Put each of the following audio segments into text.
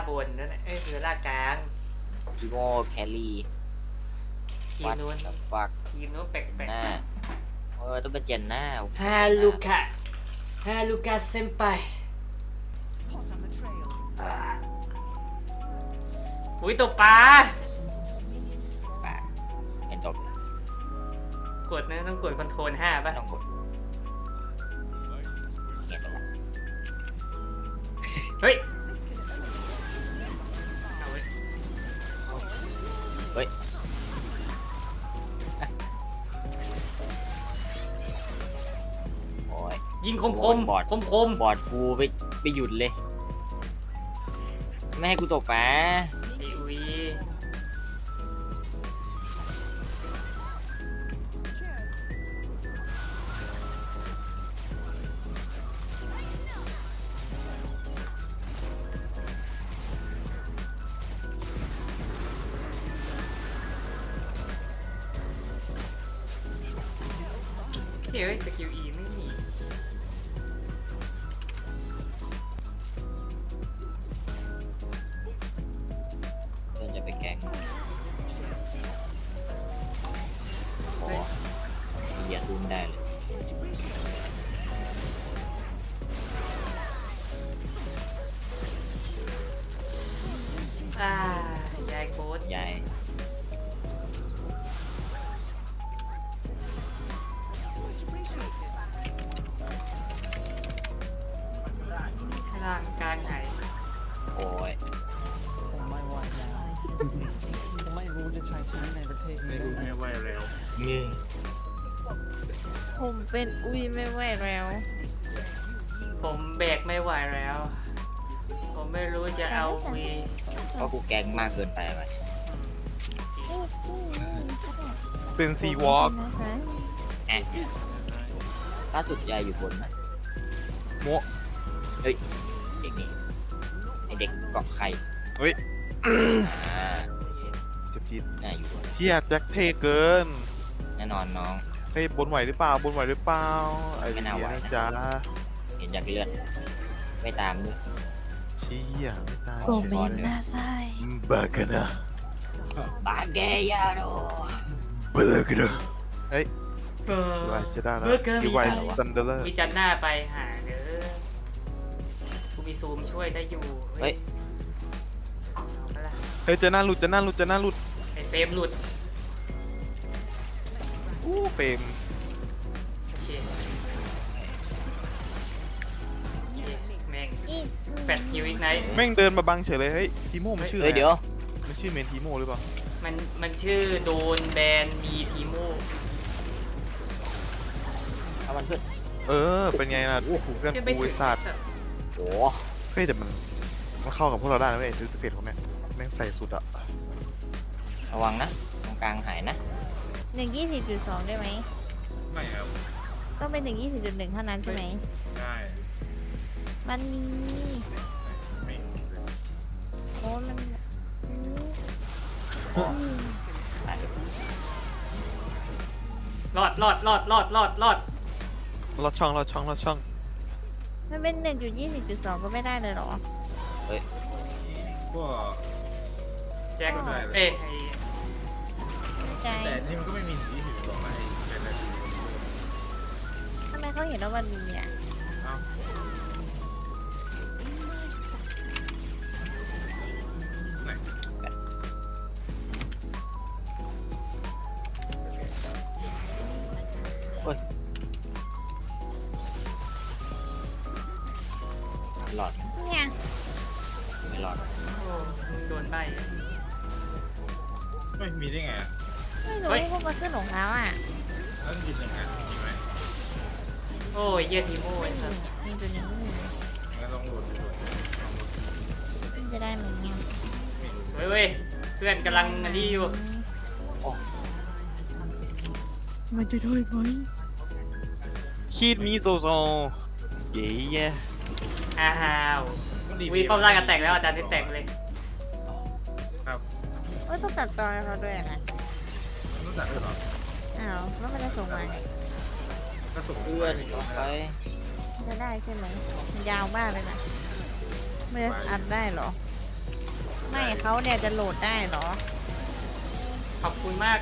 บนนั่นแหละฟิโอลากลางทีโมแครี่ทีมนู้นฟักทีมนู้นแปลกหน้าต้องเป็นเจนหน้าๆฮาลูกะเซมไปอุ้ยตกปลาป่าเป็นจบกดนะต้องกดคอนโทรล5ป่ะต้องกดเนี่ยจบละเฮ้ยเอาเว้ยเฮ้ยโอ้ยยิงคมโอ้ยบอดคมบอดกูไปหยุดเลย ไม่ให้กูตกปลาไอ้อุ้ยเฮ้ยสกิล E ไม่มีเพื่อนจะไปแกล้งโอ้เหยียดรุนได้เลยยายโค้ดใหญ่ล่างกลางไหนโอ้ยผมไม่ไหวแล้วผมไม่รู้จะใช้ชีวิตในประเทศนี้ได้ไงนี่ผมเป็นอุ้ยไม่ไหวแล้วผมแบกไม่ไหวแล้ว ผมไม่รู้จะเอาวีเพราะกูแกล้งมากเกินไปไหมเป็นซีวอล์กแอะล่าสุดยายอยู่บนนะโมะเฮ้ยเด็กนี่ไอเด็กเกาะไข่เฮ้ยอ่าเจ็บจี๊ดน่าอยู่บนเชี่ยแจ็คเท่เกินแน่นอนน้องเฮ้ยบนไหวหรือเปล่าบนไหวหรือเปล่าไอ้ไม่เหี้น่าย ไหวนะนะจ๊ะเห็นจากเลือดไม่ตามด้วยเชี่ยไม่ตายผมเป็นหน้าไส้บากันนะบาเกยาโดบากันนะเฮ้ยไหวจะได้นะเมื่อเกินดีมีไวจันซันเดอร์มีจันหน้าไปหาเด้อกูมีซูมช่วยได้อยู่เฮ้ยเอาล่ะเฮ้ยจะหน้าหลุดจะหน้าหลุดจะหน้าหลุดไอเฟรมหลุดอู้เปรมโอเคแม่งอีกแฟดฮิวอีกไนท์แม่งเดินมาบังเฉยเลยเฮ้ยทีโม่มันชื่ออะเฮ้ยไรเดี๋ยวมันชื่อเมนทีโม่หรือเปล่ามันชื่อโดนแบนมีทีโมเอามันขึ้นเออเป็นไงล่ะเพื่อนชื่อไม่กูถึไอ้งสัตว์โอ้เฮ้ยแต่มันเข้ากับพวกเราได้นะเว้ยซื้อสเปรดของแม่งแม่งใส่สุดอะระวังนะตรงกลางหายนะ 120.2ได้ไหมไม่ครับต้องเป็น120.1เท่านั้นใช่ไหมได้มันมีไม่โอ้มันหายรอดลอดช่องลอดช่องลอดช่องมันเป็น1.20.2ก็ไม่ได้เลยเหรอก็แจ็คเอ้ยใจแต่นี่มันก็ไม่มีสีผิวหรอกนะไอ้เป็นอะไรทำไมเขาเห็นว่ามันมีอ่ะเอ้าไหนหลอดเนี่ยไม่หลอดโอ้มึงโดนใบไม่มีได้ไงอ่ะไม่รู้พวกมันขึ้นของเขาอ่ะแล้วมันยินยังไงมีไหมโอ้ยเยี่ยทีโมไอ้สัสมีตัวนึงงั้นต้องโหลดดูจะได้ไหมเนี่ยเว้ยเพื่อนกำลังอันนี้อยู่มันจะได้ไหมคีดมีโซโซเย้แย่อ้าวมันดีวีป้อมล่างกันแตกแล้วอาจารย์ที่แตกเลยครับเอ้ยต้องตัดตอนให้เขาด้วยนะต้องจัดด้วยเหรออ้าวแล้วมันจะส่งมาก็ส่งเพื่อนต่อไปจะได้ใช่ไหมมันยาวมากเลยนะมันจะอัดได้เหรอไม่เขาเนี่ยจะโหลดได้เหรอขอบคุณมาก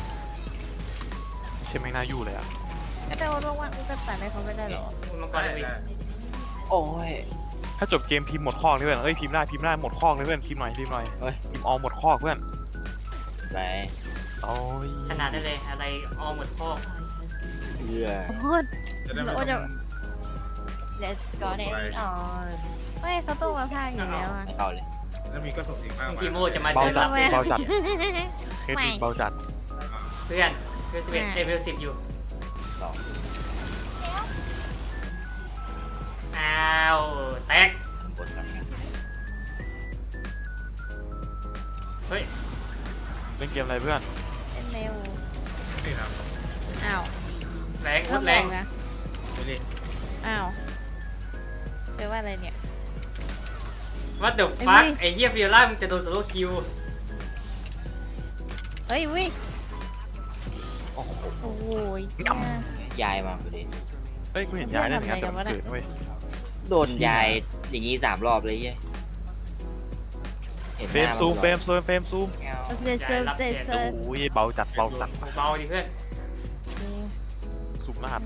เช่นไม่น่าอยู่เลยอ่ะก็แต่ว่าว่างๆจะตัดให้เขาไม่ได้เหรอคุณมังกรได้เลยได้โอ้ยถ้าจบเกมพิมพ์หมดข้อเลยเพื่อนเอ้ยพิมพ์ได้หมดข้อเลยเพื่อนพิมพ์หน่อยพิมพ์หน่อยเฮ้ยพิมพ์ออหมดข้อเพื่อนไปโอ้ยขนาดนั้นเลยอะไรออหมดข้อเพื่อโคตรจะได้ไม่โอ้ต้จะอง let's go on ไม่เขาต้องมาพากอยู่แล้วอะไม่เข้าเลยแล้วมีก็ส่งอีกข้างมาทีโมจะมาเบาเดินจัรัดบเบาจัดเคสไม่นี้เบาจัดเพื่อนเพื่อน11เวล10อยู่สองอ้าวแตกบนกันเฮ้ยเล่นเกมอะไรเพื่อนเป็นเร็วนี่ครับอ้าวแรงโคแล้วตรบแรอง กนะไม่เล่นอ้าวแปลว่าอะไรเนี่ยว่าเดี๋ยวไอ้ฟักนี่ไอ้เหี้ยฟิโอล่ามึงจะโดนโซโล่คิวเฮ้ยวิโอ้โหโอ้โหยายมาพอดีเฮ้ยกูเห็นยายเล่นงานแต่มันเกิดนะเว้ยโดนยายอย่างงี้3 รอบเลยเย้ยเห็นหเฟรมน้าซูมนเฟรมซูมเฟรมซูมแก้วเจ็ดเซิร์ฟเจ็ดเซิร์ฟโอ้ยเบาจัดเบาจัดเบาดิเพื่อนซูมรหัส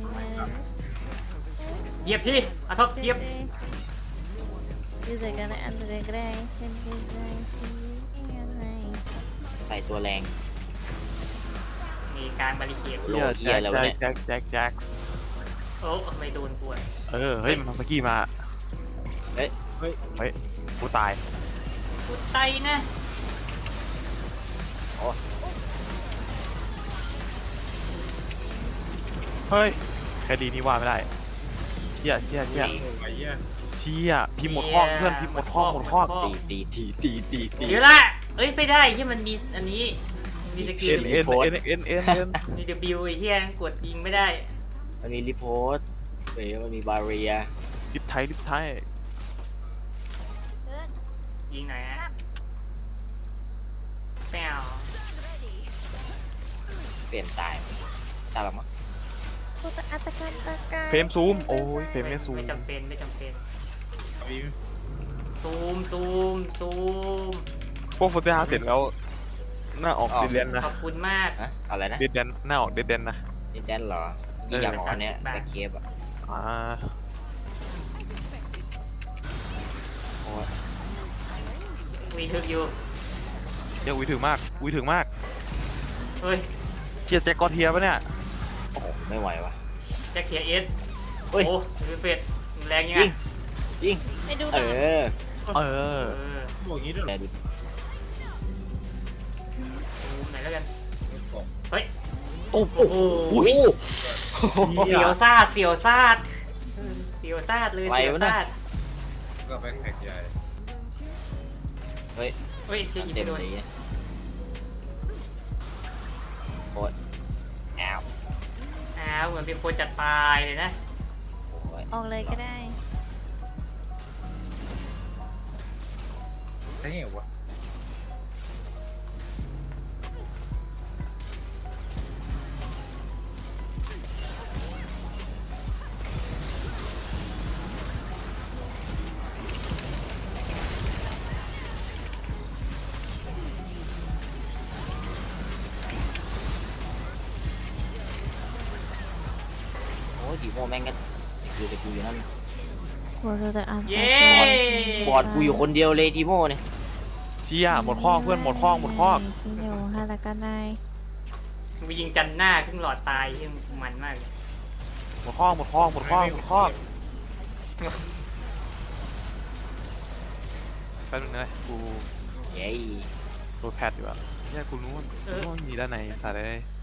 เหยียบที่เอาท็อปเหยียบยูเซอร์กันอันเดอร์กรายเป็นอะไรยังไงใส่ตัวแรงมีการบาริเคดโลเหี้ยแล้ววะเนี่ยแจ็คโอ้ไม่โดนกวนเฮ้ยมันทำสกี้มาเฮ้ยเฮ้ยกูตายกูไตนะเฮ้ยแค่ดีนี่ว่าไม่ได้เชี่ยไอ้เหี้ยเชี่ยพิมพ์หมดข้อเพื่อนพิมพ์หมดข้อตีเดี๋ยวละเอ้ยไม่ได้ที่มันมีอันนี้มีสกิเอ็ลนเอ็นเอ็นเอ็นเอ็นเอ็นมี W ไอ้เหี้ยกดยิงไม่ได้มันมีรีโพสต์มันมีบาเรียลิปไทยยิงไหนฮะแปวเปลี่ยนตายตายหรอมั้งตัวอัตการตะการเฟรมซูมโอ้ยเฟรมไม่ซูมไม่จำเป็นไม่จำเป็นมีซูมพวกโฟเตอร์เสร็จแล้วหน้าออกเดนนะขอบคุณมากฮะอะไรนะเดนหน้าออกเดนนะนี่แดนเหรอนี่อย่างอ๋อเนี้ย 30 บาทแต่เคฟอ่ะอ่ามีทึกอยู่เดี๋ยวอุ้ยถึงมากเฮ้ยเชียร์แจ็คกอเทียปะเนี่ยโอ้โหไม่ไหววะแจ็คเทียเอสเฮ้ยโอ้มีเฟดแรงยังไงยิงไม่ดูเอนะอเออบอกอย่างนี้ด้วยเหรแม่อดูซูมไหนแล้วกันบอกเฮ้ยตุ๊บโอ้โหอุ้ยเสียวซาดเลยเสียวซาดก็ไปแขกใหญ่เฮ้ยเฮ้ยเชี่ยยิงเต็ไม่มโดนเลยโคตรแอวอ้าวเหมือนเป็นคนจัดปลายเลยนะโอ้ยออกเลยก็ได้ใช่ไงวะโอ้ยดีโมแม่งก็อยู่แต่กูอยู่นั่นหัวตัวอันเย้บอดกูอยู่คนเดียวเลยดีโมเนี่ยเชียร์หมดข้อเพื่อนหมดข้อที่อยู่ฮารากันได้มึงยิงจันหน้าครึ่งหลอดตายยังมันมากเลยหมดข้อแป๊บนึงนะกูเย้โดนแพทอยู่อะเนี่ยกูรู้ว่ามีด้านในสายได้